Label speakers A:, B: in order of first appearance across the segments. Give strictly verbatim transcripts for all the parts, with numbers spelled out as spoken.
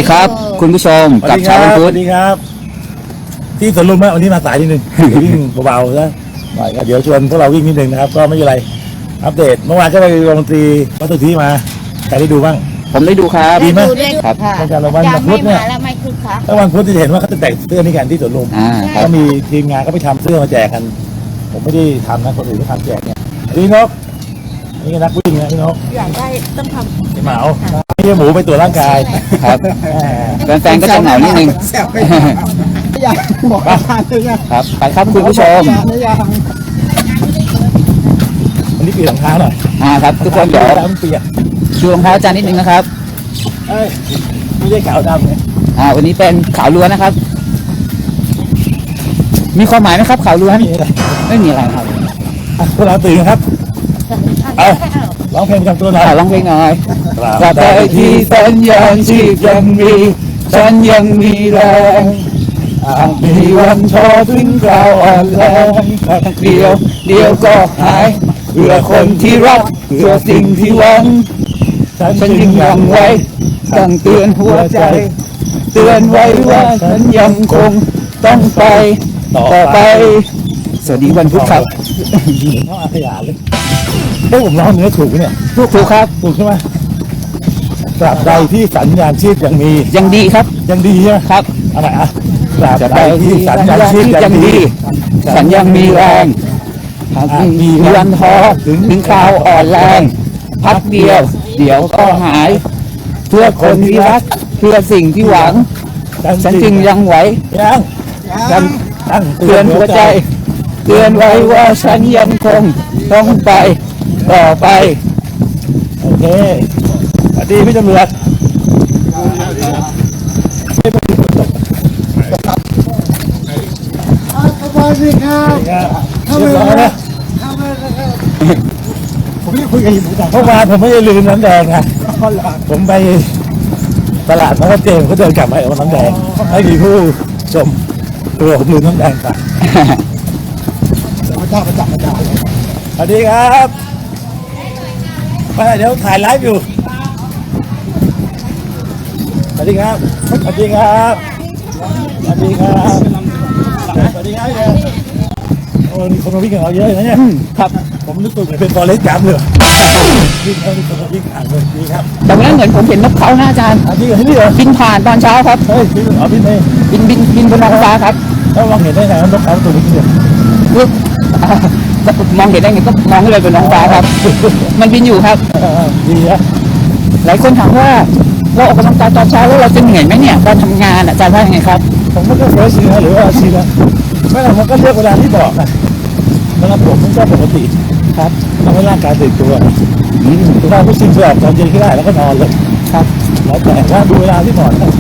A: ครับ คุณผู้ชมกับเช้าวันพุธ
B: สวัสดีครับที่สวนลุมนะวันนี้มาสายนิดนึง วิ่งเบาๆนะหน่อยก็เดี๋ยวชวนพวกเราวิ่งนิดนึงนะครับก็ไม่เป็นไรอัปเดตเมื่อวานก็ไปวงดนตรีวัดสุทธิมาใครได้ดูบ้าง
A: ผมได้ดูครับ
B: ดีไหม
A: ครับ
B: ตั้งแต่วัน
C: ยัง
B: พุ
C: ไม่
B: ธเนี่ย
C: มาแล้วไม่คึกคัก
B: แล้ววันพุธที่เห็นว่าเขาจะแต่งเสื้อนี่กันที่สวนลุม
A: อ่าครั
B: ก็
A: บ
B: มีทีมงานก็ไปทำเสื้อมาแจกกัน ผมไม่ได้ทำนะคนอื่นก็ทำแจกเนี่ยพี่นกนี่ก็นักวิ่งนะพี่นก
C: อยากได้ต้องท
B: พี่เหมาพี่หมูไปตรวจร่างกาย
A: ครับ
B: แหม
A: แฟนๆก็จะเหงานิดนึง
D: อยากบอกอาจารย์เลยนะครับ
A: ไปครับคุณผู้ชม
D: อยาก
B: วันนี้เปลี่ยนรองเท้าหน่อย
A: อ่าครับทุกคนเดี๋ยว
B: รองเท้ามันเปียก
A: ชูรองเท้าอาจารย์นิดนึงนะครับ
B: เอ้ยไม่ได้ขาวดำเลย
A: อ่าวันนี้เป็นขาวล้วนนะครับ มีความหมายไหมครับขาวล้วน
B: นี่อะไร
A: ไม่มีอะไรครับ
B: อ่ะพวกเราตื่นครับ
C: ำ
B: เอาร้องเพลงประจำตัวหน่อย
A: อ่าร้องเพลงหน่อย
B: ตราบ
A: ตราบใดที่สัญญาณชีพยังมีฉันยังมีแรงอาจมีวันท้อถึงคราวอ่อนแรงเดียวเดียวก็หายเพื่อคนที่รักเพื่อสิ่งที่หวัง ฉันยังยังไว้ตั้งเตือนหัวใจ เตือนไว้ว่าฉันยังคงต้องไปต่อไป สวัสดีวันพุธครับ
B: เหมือนเขาอาขยานเลยเฮ้ยผมร้องเนื้อถูกไหมเนี่ย
A: ทุกครูครับ
B: ถูกใช่ไหมตราบใดที่สัญญาณชีพยังมี
A: ยังดีครับ
B: ยังดีใช่ไหม
A: ครับ
B: อะไรอ่ะตราบ
A: จะ
B: ใด
A: ไป
B: ที่
A: ที่
B: สั
A: สั
B: ญ
A: ญ
B: ญา
A: ญา
B: ณ
A: ณ
B: ชี
A: ชี
B: พ
A: พ
B: ยั
A: ยัง ง
B: ดี
A: ดีฉันยังมีแรงหากมีวันท้อถึงถึงคราวอ่อนแรงพักเดียว เดี๋ยวก็หาย เพื่อคนที่รักเพื่อสิ่งที่หวัง ฉันจึงยังไหว
B: ยัง
A: ฉัน
B: ตั้ง
A: เตือนหัวใจ เตือนไว้ว่าฉันยังคงต้องไปต่อไป
B: โอเคสวัสดีพี่ตำรวจ
D: สวัสดีครับ
B: เรียบร้อยนะ
D: ผมไม่ได้คุยกับหมูจ๋า
B: เมื่อวานผมไม่ได้ลืมน้ำแดงนะผมไปตลาดพระเจมส์ก็เดินกลับมาเอาน้ำแดงให้มีผู้ชมตัวผมลืมน้ำแดงไป
D: พระเจ้าพระเจ้าพระเจ้า
B: สวัสดีครับมาเดี๋ยวถ่ายไลฟ์อยู่สวัสดีครับสวัสดีครับสวัสดีครับสวัสดีครับพี่แดงโอ้มีคนมาวิ่งกับเราเยอะเลยนะเนี่ย
A: ครับ
B: ผมนึกตัวเหมือนเป็นฟอเรสต์จัมป์เลยวิ่งเขามีคนมาวิ่งอ่านเลยดีครับ
A: แต่วันนั้นเหมือนผมเห็นนกเขาหน้าอาจารย์
B: อันนี้เหรอที่นี่เหรอ
A: บินผ่านตอนเช้าครับ
B: เฮ้ยพี่เอาพี่เมย์
A: บินบินบินบนท้องฟ้าครับ
B: แล้วมองเห็นได้ไงว่านกเขาตัวนี้เนี่ย
A: ปึ๊บอ่ามองเห็นได้ไงก็มองขึ้นไปบนท้องฟ้าครับ มันบินอยู่ครับ
B: เออดีนะ
A: หลายคนถามว่าเราออกกำลังกายตอนเช้าแล้วเราจะเหนื่อยไหมเนี่ยตอนทำงานอาจารย์ว่ายังไงครับ
B: ผมก็เฟซนะหรือว่าอาชีพนะไม่หรอกมันก็เลือกเวลาที่บอกนะสำหรับผมมันก็ปกติครับทำให้ร่างกายตื่นตัว
A: อืม
B: ถ้าไม่ชินเพื่อตอนเย็นก็ได้แล้วก็นอนเลย
A: ครับ
B: แล้วแต่ว่าดูเวลาที่เหมาะนะ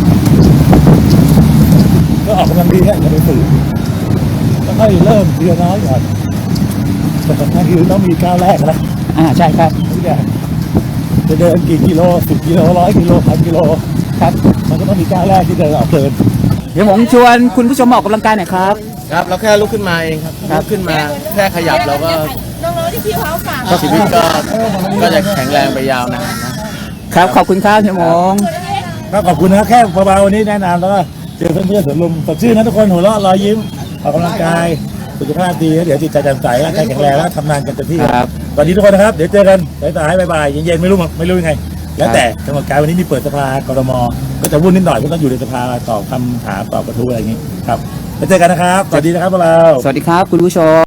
B: ก็ออกกำลังดีเนี่ยอย่าไปฝืนแล้วค่อยเริ่มทีละน้อยก่อนแต่สำคัญคือต้องมีก้าวแรกนะ
A: อ่าใช่ครับ
B: ทุกอย่างจะเดินกี่กิโลสิบกิโลร้อยกิโลพันกิโล
A: ครับ
B: มันก็ต้องมีก้าวแรกที่เดินออกเดิน
A: เดี๋ยวผมชวนคุณผู้ชมมาออกกำลังกายหน่อยครับ
E: ครับเราแค่ลุกขึ้นมาเองครับลุกขึ้นมาแค่ขยับเราก็
C: น้องๆที่พี่เขาฝาก
E: ชีวิตก็ก็จะแข็งแรงไปยาวนานนะครับ
A: ขอบคุณครับเฮียหมง
B: ก็ขอบคุณนะครับแค่เบาๆวันนี้แนะนำแล้วก็เจอเพื่อนๆสวนลุมสดชื่นนะทุกคนหัวเราะรอยยิ้มออกกำลังกายสุขภาพดีแล้วเดี๋ยวจิตใจแจ่มใสร่างกายแข็งแรงแล้วทำงานกันเต็มที่
A: ครับ
B: สวัสดีทุกคนนะครับเดี๋ยวเจอกันสายๆบ่ายๆเย็นๆไม่รู้ไม่รู้ยังไง แล้วแต่จังหวัดกายวันนี้มีเปิดสภากรมก็จะวุ่นนิดหน่อยเพราะต้องอยู่ในสภาตอบคำถามตอบกระทู้อะไรอย่างนี้ครับแล้วเจอกันนะครับสวัสดีนะครับพวกเรา
A: สวัสดีครับคุณผู้ชม